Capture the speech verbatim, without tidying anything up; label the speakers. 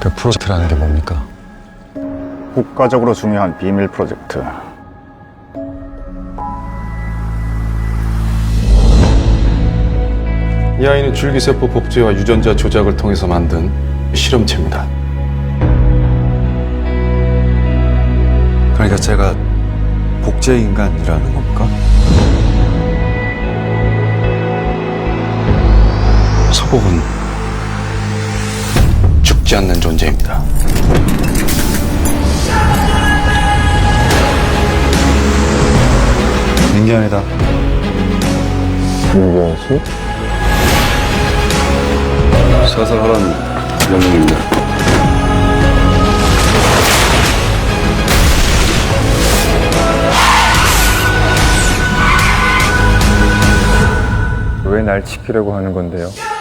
Speaker 1: 그 프로젝트라는 게 뭡니까?
Speaker 2: 국가적으로 중요한 비밀 프로젝트.
Speaker 3: 이 아이는 줄기세포 복제와 유전자 조작을 통해서 만든 실험체입니다.
Speaker 1: 그러니까 제가 복제 인간이라는 겁니까?
Speaker 3: 서복은 죽지 않는 존재입니다.
Speaker 1: 민경이다.
Speaker 2: 민경씨?
Speaker 3: 사살하라는 명령입니다.
Speaker 2: 왜 날 지키려고 하는 건데요?